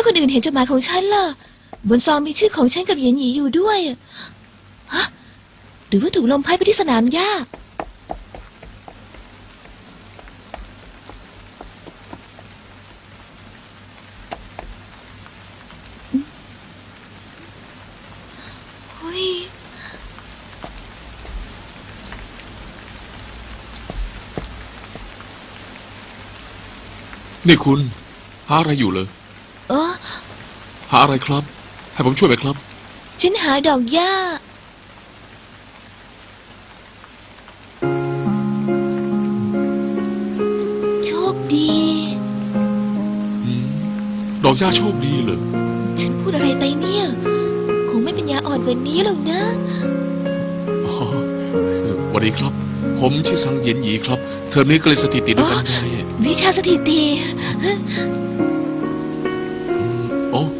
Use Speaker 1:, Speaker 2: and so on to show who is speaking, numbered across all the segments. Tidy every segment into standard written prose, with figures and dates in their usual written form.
Speaker 1: คนอื่นเห็นจดหมายของฉันล่ะบนซองมีชื่อของฉันกับเหยียนหยีอยู่ด้วยฮะหรือว่าถูกลมพัดไปที่สนามหญ้า
Speaker 2: นี่คุณหาอะไรอยู่เลยหาอะไรครับให้ผมช่วยไหมครับ
Speaker 1: ฉันหาดอกหญ้าโชคดี
Speaker 2: ดอกหญ้าโชคดีเลย
Speaker 1: ฉันพูดอะไรไปเนี่ยคงไม่เป็นยาอ่อนกว่านี้หรอกนะ
Speaker 2: สวัสดีครับผมชื่อซังเหยียนหยีครับเทอมนี้ก็เลยสถิติด้วยกันไง
Speaker 1: วิชาสถิติ
Speaker 2: โอ้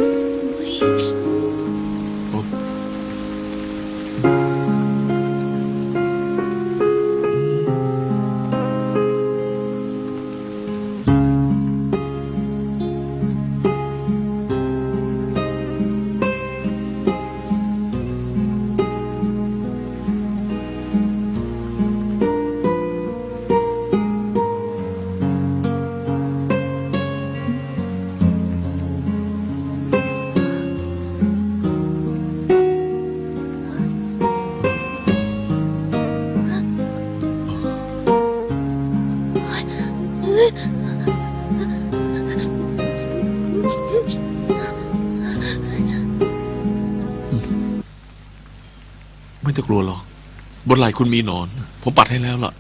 Speaker 2: ไม่ต้องกลัวหรอกบนไหล่คุณมีหนอนผมปัดให้แล้วล่ะ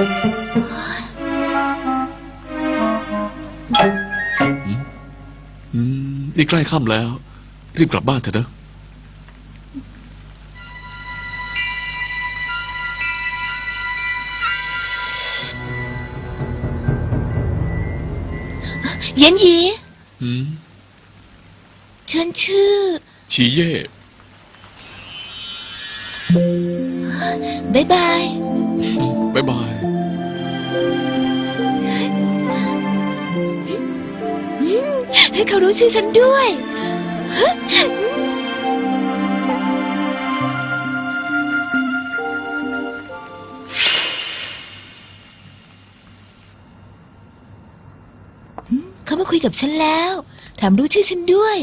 Speaker 2: นี่ใกล้ค่ำแล้วรีบกลับบ้านเถอะนะ
Speaker 1: เหยียนหยีฉันชื่อ
Speaker 2: ชีเย่
Speaker 1: บ๊ายบาย
Speaker 2: บ๊ายบาย
Speaker 1: เขารู้ชื่อฉันด้วยเขามาคุยกับฉันแล้วถามรู้ชื่อฉันด้วย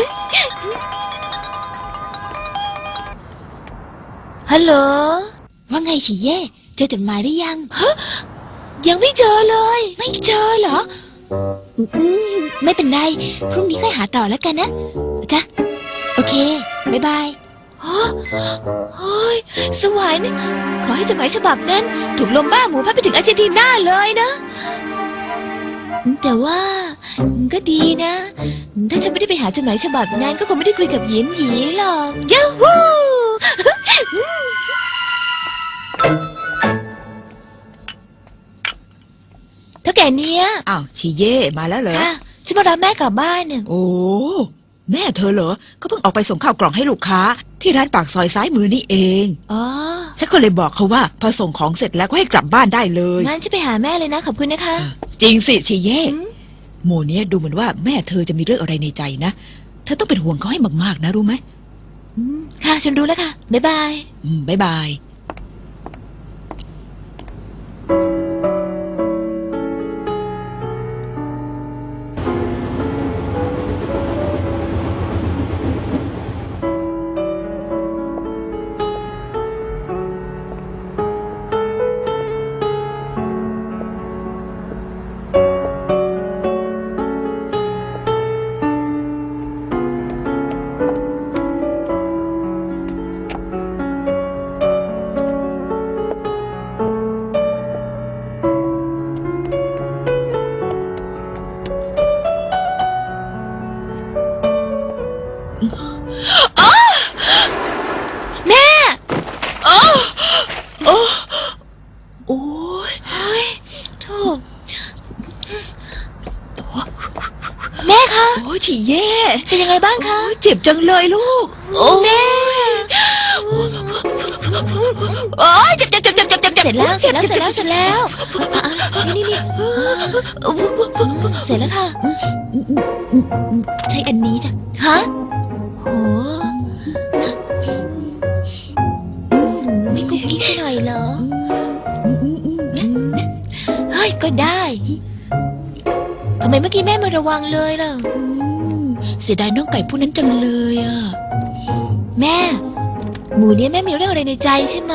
Speaker 1: ฮัลโหล
Speaker 3: ว่าไงฉีเย่เจอจดหมายหรือยัง
Speaker 1: ยังไม่เจอเลย
Speaker 3: ไม่เจอเหรอไม่เป็นไรพรุ่งนี้ค่อยหาต่อแล้วกันนะจ้ะโอเคบ๊ายบาย
Speaker 1: โอ้ยสวรรค์ขอให้จดหมายฉบับนั้นถูกลมบ้าหมูพัดไปถึงอาร์เจนตินาเลยนะแต่ว่าก็ดีนะถ้าฉันไม่ได้ไปหาจดหมายฉบับนั้นก็คงไม่ได้คุยกับเหยียนหยีหรอกยูฮูเท่าแก่เนี้ย
Speaker 4: อ้าวชีเย่มาแล้วเหรอ
Speaker 1: ค่ะฉันมารับแม่กลับบ้านเนี่ย
Speaker 4: โอ้แม่เธอเหรอก็เพิ่งออกไปส่งข้าวกล่องให้ลูกค้าที่ร้านปากซอยซ้ายมือนี่เอง
Speaker 1: อ๋อ
Speaker 4: ฉันก็เลยบอกเขาว่าพอส่งของเสร็จแล้วก็ให้กลับบ้านได้เลย
Speaker 1: งั้นจะไปหาแม่เลยนะขอบคุณนะคะ
Speaker 4: จริงสิชีเย่โมเนี้ยดูเหมือนว่าแม่เธอจะมีเรื่องอะไรในใจนะเธอต้องเป็นห่วงเขาให้มากๆนะรู้ไหม
Speaker 1: ค่ะฉันรู้แล้วค่ะบ๊ายบาย
Speaker 4: บ๊ายบาย
Speaker 1: แม่
Speaker 4: โอ้ย
Speaker 1: โธ่แม่คะ
Speaker 4: โอ้ยฉี่แย่
Speaker 1: เป็นยังไงบ้างคะ
Speaker 4: เจ็บจังเลยลูก
Speaker 1: แม่
Speaker 4: โอ้ยเจ็บ
Speaker 1: เสร็จแล้วเสร็จแล้วนี่เสร็จแล้วค่ะ
Speaker 3: ใช้อันนี้จ้ะ
Speaker 1: ฮะโหไม่กุ๊กกิ๊กไปหน่อยเหรอเฮ้ยก็ได้ทำไมเมื่อกี้แม่ไม่ระวังเลยล่ะ
Speaker 4: เสียดายน้องไก่ผู้นั้นจังเลยอ่ะ
Speaker 1: แม่ หมูเนี่ยแม่มีเรื่องอะไรในใจใช่ไหม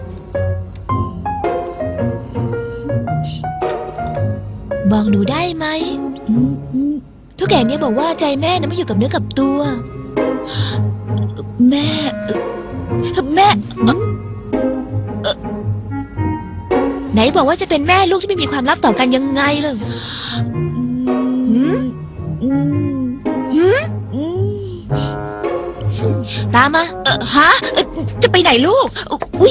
Speaker 1: บอกหนูได้ไหมทุกอย่างเนี่ยบอกว่าใจแม่นะไม่อยู่กับเนื้อกับตัว
Speaker 4: แม่แม่
Speaker 1: ไหนบอกว่าจะเป็นแม่ลูกที่ไม่มีความลับต่อกันยังไงเลย ตามมา
Speaker 4: ฮะจะไปไหนลูกอุ้ย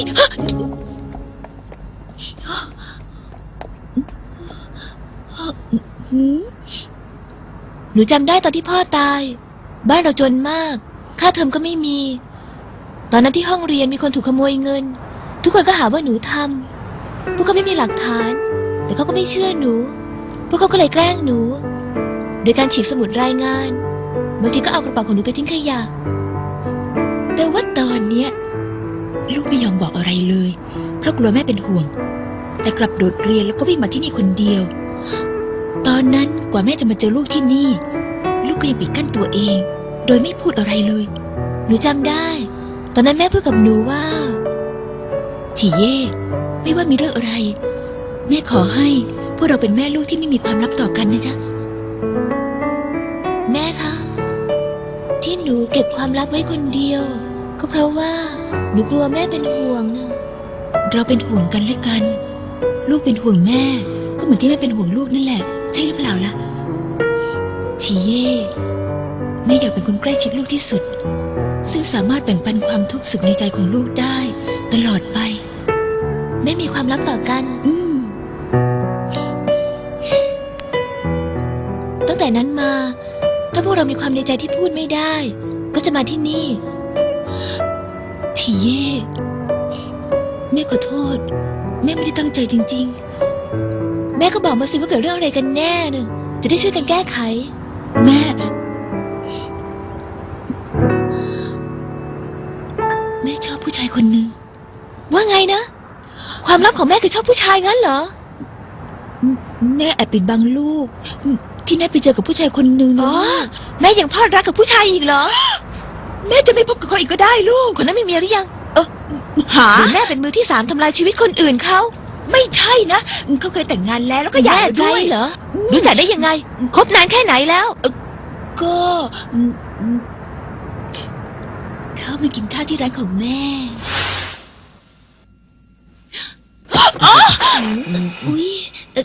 Speaker 1: หนูจำได้ตอนที่พ่อตาย บ้านเราจนมาก ค่าเทอมก็ไม่มี ตอนนั้นที่ห้องเรียนมีคนถูกขโมยเงิน ทุกคนก็หาว่าหนูทำพวกเขาไม่มีหลักฐาน แต่เขาก็ไม่เชื่อหนู พวกเขาก็เลยแกล้งหนู โดยการฉีกสมุดรายงานบางทีก็เอากระเป๋าของหนูไปทิ้งขยะ
Speaker 4: แต่ว่าตอนเนี้ยลูกไม่ยอมบอกอะไรเลยเพราะกลัวแม่เป็นห่วง แต่กลับโดดเรียนแล้วก็วิ่งมาที่นี่คนเดียว ตอนนั้นกว่าแม่จะมาเจอลูกที่นี่ ลูกก็ยังปิดกั้นตัวเอง โดยไม่พูดอะไรเลย
Speaker 1: หนูจำได้ ตอนนั้นแม่พูดกับหนูว่า
Speaker 4: ฉีเย่ไม่ว่ามีเรื่องอะไร แม่ขอให้พวกเราเป็นแม่ลูกที่ไม่มีความลับต่อกันนะจ๊ะ
Speaker 1: แม่คะที่หนูเก็บความลับไว้คนเดียว ก็เพราะว่าหนูกลัวแม่เป็นห่วงนะ
Speaker 4: เราเป็นห่วงกันและกัน ลูกเป็นห่วงแม่ ก็เหมือนที่แม่เป็นห่วงลูกนั่นแหละ ใช่หรือเปล่าล่ะฉีเย่แม่อยากเป็นคนใกล้ชิดลูกที่สุด ซึ่งสามารถแบ่งปันความทุกข์สุขในใจของลูกได้ ตลอดไป
Speaker 1: ไม่มีความลับต่อกัน ตั้งแต่นั้นมา ถ้าพวกเรามีความในใจที่พูดไม่ได้ ก็จะมาที่นี่
Speaker 4: ฉีเย่แม่ขอโทษ แม่ไม่ได้ตั้งใจจริง
Speaker 1: แม่ก็บอกมาสิว่าเกิดเรื่องอะไรกันแน่เนอะจะได้ช่วยกันแก้ไข
Speaker 4: ๆ แม่ชอบผู้ชายคนหนึ่ง
Speaker 1: ว่าไงนะ ความลับของแม่คือชอบผู้ชายงั้นเหรอ
Speaker 4: แม่แอบปิดบังลูก ที่นัดไปเจอกับผู้ชายคนหนึ่ง
Speaker 1: อ๋
Speaker 4: นะ
Speaker 1: อ แม่ยังพลอดรักกับผู้ชายอีกเหรอ
Speaker 4: แม่จะไม่พบกับเขาอีกก็ได้ลูก
Speaker 1: คนนั้นมีเมียหรือยัง
Speaker 4: หา
Speaker 1: หรือแม่เป็นมือที่สามทำลายชีวิตคนอื่นเขา
Speaker 4: ไม่ใช่นะเขาเคยแต่งงานแล้วก็อยาก
Speaker 1: แน่ใจ
Speaker 4: ด้วย
Speaker 1: เหรอ รู้จักได้ยังไง คบนานแค่ไหนแล้ว
Speaker 4: ก็เขามากินข้าวที่ร้านของแม่อุ๊ย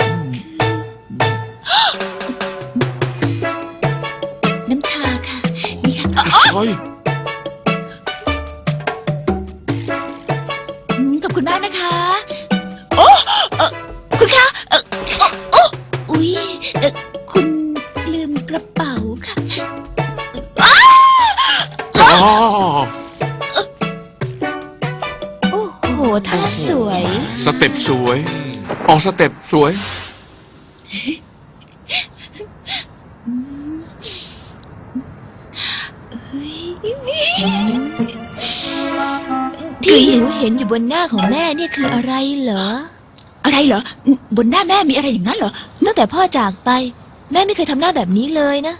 Speaker 4: น้ำชาค่ะ นี่ค่ะ
Speaker 2: เฮ้ย
Speaker 4: ขอบคุณมากนะคะ
Speaker 1: คุณคะ
Speaker 4: อุ๊ยคุณลืมกระเป๋าค่ะ
Speaker 2: อ๋อ
Speaker 1: โอ้โหท่าสวย
Speaker 2: สเต็ปสวย ออกสเต็ปสวย
Speaker 1: ที่หนูเห็นอยู่บนหน้าของแม่เนี่ยคืออะไรเหรอ
Speaker 4: อะไรเหรอ บนหน้าแม่มีอะไรอย่างนั้นเหรอ
Speaker 1: ตั้งแต่พ่อจากไป แม่ไม่เคยทำหน้าแบบนี้เลยนะ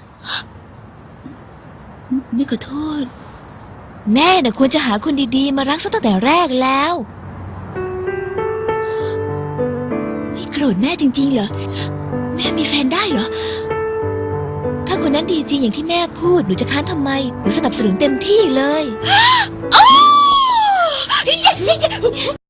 Speaker 4: ไม่ขอโทษ
Speaker 1: แม่น่ะควรจะหาคนดีๆมารักซะตั้งแต่แรกแล้ว
Speaker 4: ไม่โกรธแม่จริงๆเหรอ แม่มีแฟนได้เหรอ
Speaker 1: ถ้าคนนั้นดีจริงอย่างที่แม่พูดหนูจะค้านทำไมหนูสนับสนุนเต็มที่เลย